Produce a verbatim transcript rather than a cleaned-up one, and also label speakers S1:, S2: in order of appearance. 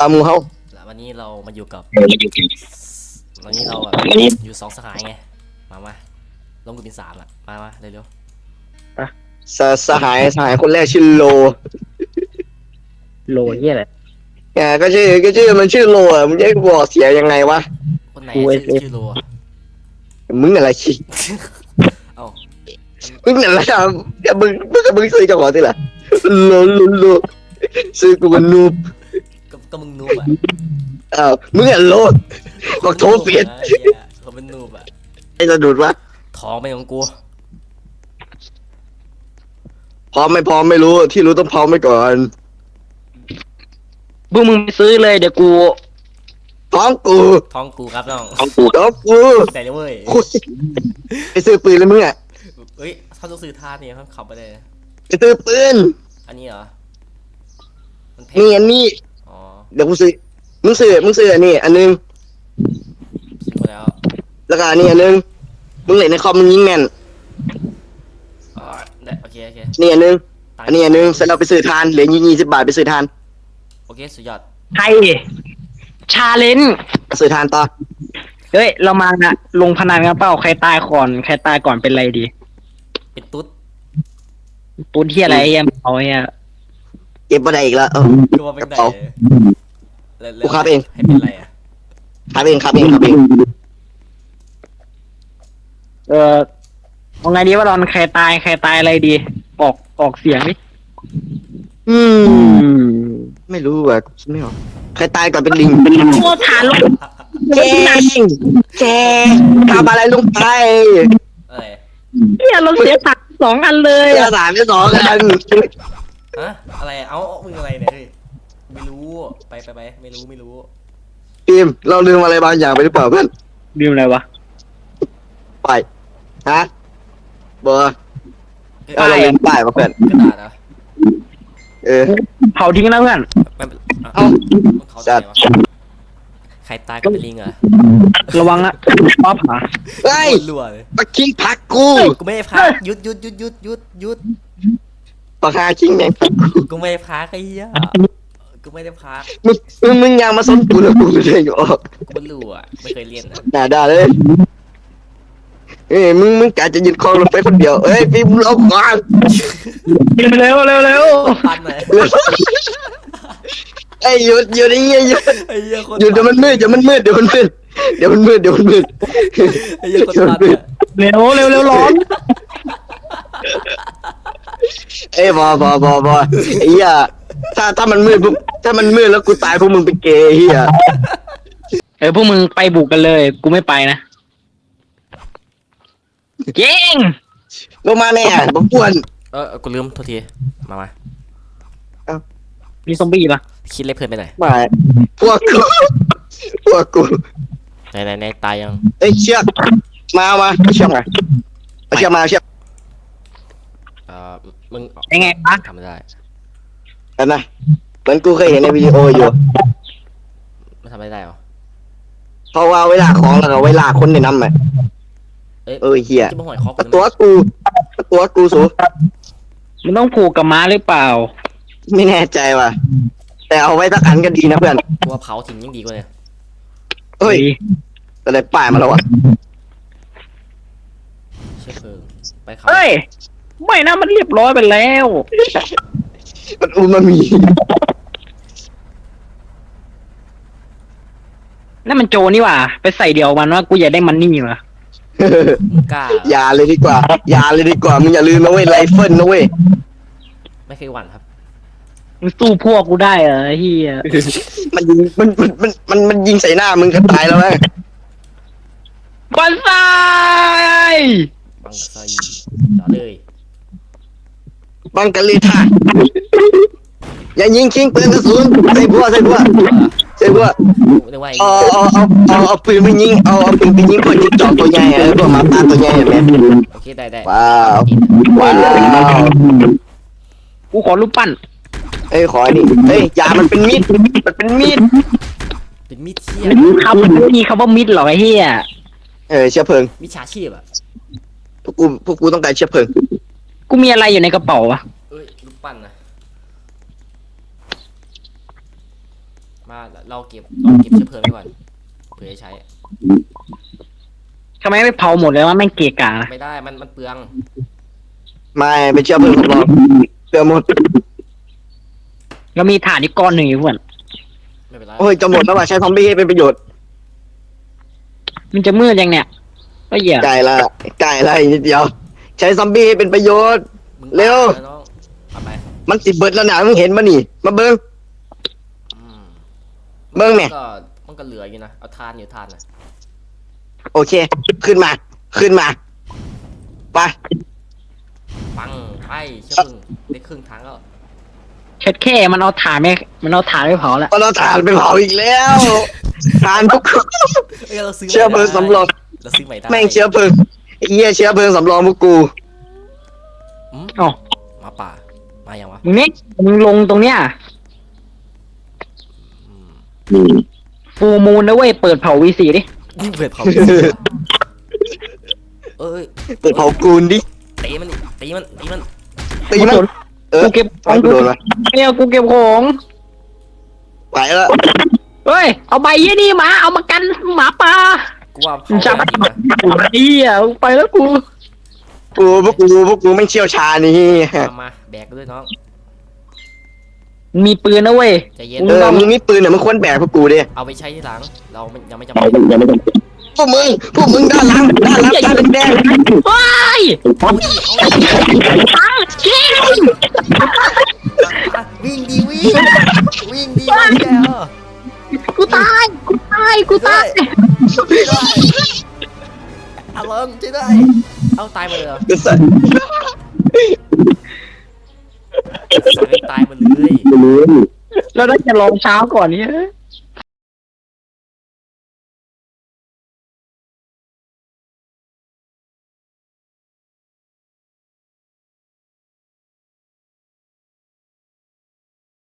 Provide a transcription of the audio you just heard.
S1: ตามหมูเฮา
S2: แล้ววันนี้เรามาอยู่กับ
S3: เอออยู่กิน
S2: วันนี้เราแบบอยู่สองสหายไงมามาลงกูเป็นสามอ่ะมามาเร็ว
S1: สสหายสหายคนแรกชื่อโล
S3: โลเหียอะไร
S1: อ่าก็ชื่อก็ชื่อมันชื่อโลอ่ะมึงจะให้กูบอกเสียยังไงวะ
S2: ๆคนไหนชื่อชื่อโลอะ
S1: มึงอะไรชิ
S2: เอ้า
S1: มึงอะไรอ่ะอย่ามึงมึงกับมึงซื้อจังหวะที่ละโลโลโลซื้อกูมันนูบ
S2: ก็ก็มึงนูบอ่ะ
S1: อ้าวมึงอ่ะโลดบอกโทรเปลี่ยน
S2: ไอ้เหี้ยเขาเป็นนูบอ่ะ
S1: ไอ้สะดุดวะ
S2: ท้องเป็นของกู
S1: พร้อมไม่พร้อมไม่รู้ที่รู้ต้องพร้อมไว้ก่อน
S3: พวกมึงไปซื้อเลยเดี๋ยวกู
S1: พร้อมกู
S2: ท้องกูครับน้อง
S3: เอากู
S1: พร้อมกู
S2: แต่เลยเว้ย
S1: คุยไปซื้อปืนเลยมึงอ่ะ
S2: เอ้ยเขาต้องซื้อท่าเนี่ยเขาขับไปเลยนะ
S1: ไปซื้อปืน
S2: อันนี้เหรอมันแพง
S1: นี่อันนี้
S2: อ๋อ
S1: เดี๋ยวกูซื้อมึงซื้อมึงซื้ออันนี้อันนึง
S2: ซื้อมาแล้ว
S1: แล้วก็อันนี้อันนึงมึงเล่นในคอมมึงยิงแม่น
S2: อ๋อได้โอเคโอเค
S1: นี่อันนึง
S2: ตังค์
S1: อันนี้อันนึงเสร็จแล้วไปซื้อทานเหลือยี่สิบบาทไปซื้อทาน
S2: โอเคสุดยอด
S3: ใครชาเลนจ์
S1: ไปซื้อทานต่อ
S3: เฮ้ยเรามานะลงพนันกันเปล่าใครตายก่อนใครตายก่อนเป็นไรดี
S2: เป็นตุ๊ด
S3: ตุ้นที่อะไรไอ้เหี้ยเอาเนี่ย
S1: เก็บมาได้อีกแล้วเออ
S2: กูว่าเป็นไหน
S1: กระเป๋า
S2: แล้วแล้ว
S1: กูครับเอง
S2: ให้เป็นไรอ่ะ
S1: ครับเองครับเองครับเอง
S3: เออเอาไงดีว่าตอนใครตายใครตายอะไรดี ออกออกเสียงดิ
S1: อืม
S3: อืม
S1: ไม่รู้อ่ะคิดไม่ออกใครตายก่อนเป็นลิง
S3: โคตรฐานลง
S1: แกงแกงทำอะไรลงไป
S2: อะไร
S3: เนี่ยเราเสียตังค์สองอันเลย
S1: เสื้อ
S3: อะ
S1: สามที่สองกัน
S2: ฮะอะไรเอ้ามึงอะไรเนี่ยเฮ้ยไม่รู้ไปไปไปไม่รู้ไม่รู้
S1: ทีมเราลืมอะไรบางอย่างไปหรือเปล่าเพื่อน
S3: บิวอะไรวะ
S1: ไปฮะเบอร์
S2: เอ้ย
S1: เอาเราลืมป้ายมาเพื่อน
S2: กระดาษเหรอ
S1: เออ
S3: เผาทิ้งแล้วเพื่อน
S2: ไม่เป็น
S1: เอ้า
S2: มันเขา
S1: จั
S2: ใจ
S1: ด
S2: วะใครตายก็เป็นลิงเหรอ
S3: ระวังอะป๊อปหา
S1: เฮ้ย
S2: โคตรรัวเลย
S1: ปักคิงพักกู
S2: กูไม่ให้พักหยุดหยุดหยุดหยุดหยุดหยุด
S1: ปักหาคิงแม่งพักกู
S2: กูไม่ให้พักไอ้เหี้ยกูไม่ได้พัก
S1: มึงมึงมึงยังมาสนกูเลยกูไม่ได้ออก
S2: กูไม่รู้อ่ะไม่เคยเรียนนะ
S1: ด่าด่าเลยเอ้ยมึงมึงกะจะยึดครองรถไฟคนเดียวเอ้ยพี่มึงเอาก่อน
S3: เร็วเร็วเร็ว
S2: ปันเลย
S1: ไอ้ยหยุดหยุดไอ้เหี้ยหยุด
S2: ไอ้เหี้ยคน
S1: หยุดเดี๋ยวมันมืดเดี๋ยวมันมืดเดี๋ยวมันมืดเดี๋ยวมันมืดเดี๋ยวมันมืด
S2: ไอ้เหี้ยคนปันเนี่ย
S3: เร็วเร็วเร็วร้อน
S1: เอ้ยบอบอบอบอไอ้เหี้ยถ้าถ้ามันมืดปุ๊บถ้ามันมืดแล้วกูตายพวกมึงเป็นเกย์ไอ้เหี้ย
S3: เออพวกมึงไปบุกกันเลยกูไม่ไปนะเก่ง
S1: ลงมาแน่ผมกวน
S2: เออกูลืมโทษทีมามา
S3: มีซอมบี้ปะ
S2: คิดเล็กเพื่อนไปหน่อย
S1: ไม่พวกกูพวกกู
S2: ไหนไหนไหนตายยัง
S1: เอ้ยเชือกมาเอามาเอาเชือกมาเอาเชือกมาเอาเชือก
S2: เอ่อมึง
S3: ยังไงปะ
S2: ทำไม่ได้
S1: อันนะเหมือนกูเคยเห็นในวิดีโออยู่
S2: ไม่ทำไม่ได้หรอ
S1: เพราะว่าเวลาของแล้วก็เวลาคนในน้ำอ่ะ
S2: เอ้ย
S1: เออเหี้ย
S2: จะมาหอยคอก
S1: ตัวกูตัวกูสู
S3: มันต้องผูกกับม้าหรือเปล่า
S1: ไม่แน่ใจว่ะแต่เอาไว้สักอันก็ดีนะเพื่อน
S2: กูว่าเผาทิ้งยังดีกว่าเนี่ย
S1: เฮ้ยแต่ได้ป้ายมาแล้วอ่ะ
S2: เชื้อเพลิงไปเขา
S3: เฮ้ยไม่นะมันเรียบร้อยไปแล้ว
S1: มันอูมามี
S3: นั่นมันโจนี่หว่าไปใส่เดียวมันว่ากูอยากได้มันนี่ว่ะ
S2: มึงกล้าเหรอ
S1: อย่าเลยดีกว่าอย่าเลยดีกว่ามึงอย่าลืมนะเว้ยไรเฟิลนะเว้ย
S2: ไม่เคยหวั่นครับ
S3: มึงสู้พวกกูได้เหรอไอ้เฮีย
S1: มันยิงมันมันมันมันมันยิงใส่หน้ามึงก็ตายแล้วนะ
S3: บันไซ
S2: บังไซต่อเลย
S1: บังกะลีท่าอย่ายิงคิงปืนกระสุนใส่พวกใส่พวกใส่พวก
S2: กูนึกว่าไอ้
S1: เอาเอาเอาเอาเอาปืนไปยิงเอาเอาปืนไปยิงคนจิ้งจอกตัวใหญ่อะพวกหมาป่าตัวใหญ่แบบ
S2: โอเคได้ได้
S1: ว้าวว้าว
S3: กูขอรูปปั้น
S1: เอ้ยขออันนี้เฮ้ยยามันเป็นมีดมันเป็นมีด
S2: เป็นมิดเชี่ย
S3: คำมันไม่มีคำว่ามิดหรอกไอ้เฮีย
S1: เออเชื้อเพลิง
S2: มิดฉาชีพอ่ะ
S1: พวกกูพวกกูต้องการเชื้อเพลิง
S3: กูมีอะไรอยู่ในกระเป๋าวะ
S2: เอ้ยลูกปั้นนะมาเราเก็บเราเก็บเชื้อเพลิงไว้ก่อนเผื่อจะใช้
S3: ทำไมไม่เผาหมดเลยว่าแม่งเกะกะนะ
S2: ไม่ได้มันมันเปลือง
S1: ไม่ไปเชื่อเพื่อนสำรองเชื่อหมด
S3: แล้วมีถ่านอีกก้อนหนึ่งอยู่เพื่อน
S2: ไม่เป็นไร
S1: โอ้ยจะหมดแล้วว่ะใช้ซอมบี้ให้เป็นประโยชน์
S3: มันจะมืดยังเนี่ยก็เหี้ย
S1: ไก่ละไก่ละอีกนิดเดียว ใช้ซอมบี้ให้เป็นประโยชน์
S2: มึง
S1: เร็ว
S2: ตายแล้น้องเอาไป
S1: มันสิเบิดแล้วนะมึงเห็นมานี่มาเบิ้ง
S2: อืม
S1: เบิ่งแม่
S2: ก็มันก็เหลืออยู่นะเอาทานอยู่ทานนะ
S1: โอเค ขึ้นมา ขึ้นมาไป
S2: ปังไปเชื้อเพลิงได้ครึ่งทางแล้ว
S3: เช็ดแค่มันเอาถ่านไม่มันเอาถ่านไม่เผาแล้ว
S1: เอาเราถ่านไปเผาอีกแล้วถ่านพวก
S2: เอ้ยเราซื้อ
S1: เชื้อเพลิงสำรอง
S2: เราซื้อใหม่ได้
S1: แม่งเชื้อเพลิงไอ้เหี้ยเชื้อเพลิงสำรองพวกกู
S2: อืม
S3: อ๋อ
S2: หมาป่ามาอย่างวะ
S3: มึงนี่มึงลงตรงเนี้ย
S2: อืม
S3: ฟูมูลนะเว้ยเปิดเผาวีสีดิ
S2: นี่เปิดเผาเอ้ย
S1: เปิดเผากูนดิ
S2: ตีมันดิตีมันตีมัน
S1: ตีมันเออ
S3: กูเก็บข
S1: ไอ้
S3: อง
S1: กู
S3: กู
S1: โดนมา
S3: เนี่ยกูเก็บของ
S1: ไปแล้ว
S3: เฮ้ยเอาใบยี่นี่มาเอามากันหมาป่า
S2: กูว่าเผา
S3: จับ
S2: จริงนะ
S3: ไอ้เหี้ยไปแล้วกู
S1: กูพวกกูพวกกูไม่เชี่ยวชาญนี่
S2: มามาแบกด้วยน้อง
S3: มีปืนนะเว้ย
S2: ใจเย็น
S1: เออมึงมีปืนเนี่ยมึงควรแบกพวกกูดิ
S2: เอาไปใช้ที่หลังเราไม่ยังไม่จำเป็น
S1: พวกมึงพวกมึงด้านหลังด้านหลังด้านแดง
S3: ว้าย
S2: เอาดิเอาดิ
S3: อ้าวเจ๊ง
S2: วิ่งดีวิ่งวิ่งดีวิ่งแกเออ
S3: กูตายกูตายกูตาย
S2: เอาลงช่วยได้เอาตายมาเลยเหรอ
S1: กูสั่น
S2: สั่งให้ตายมาเลย
S3: แล้วน่าจะลองเช้าก่อนนี้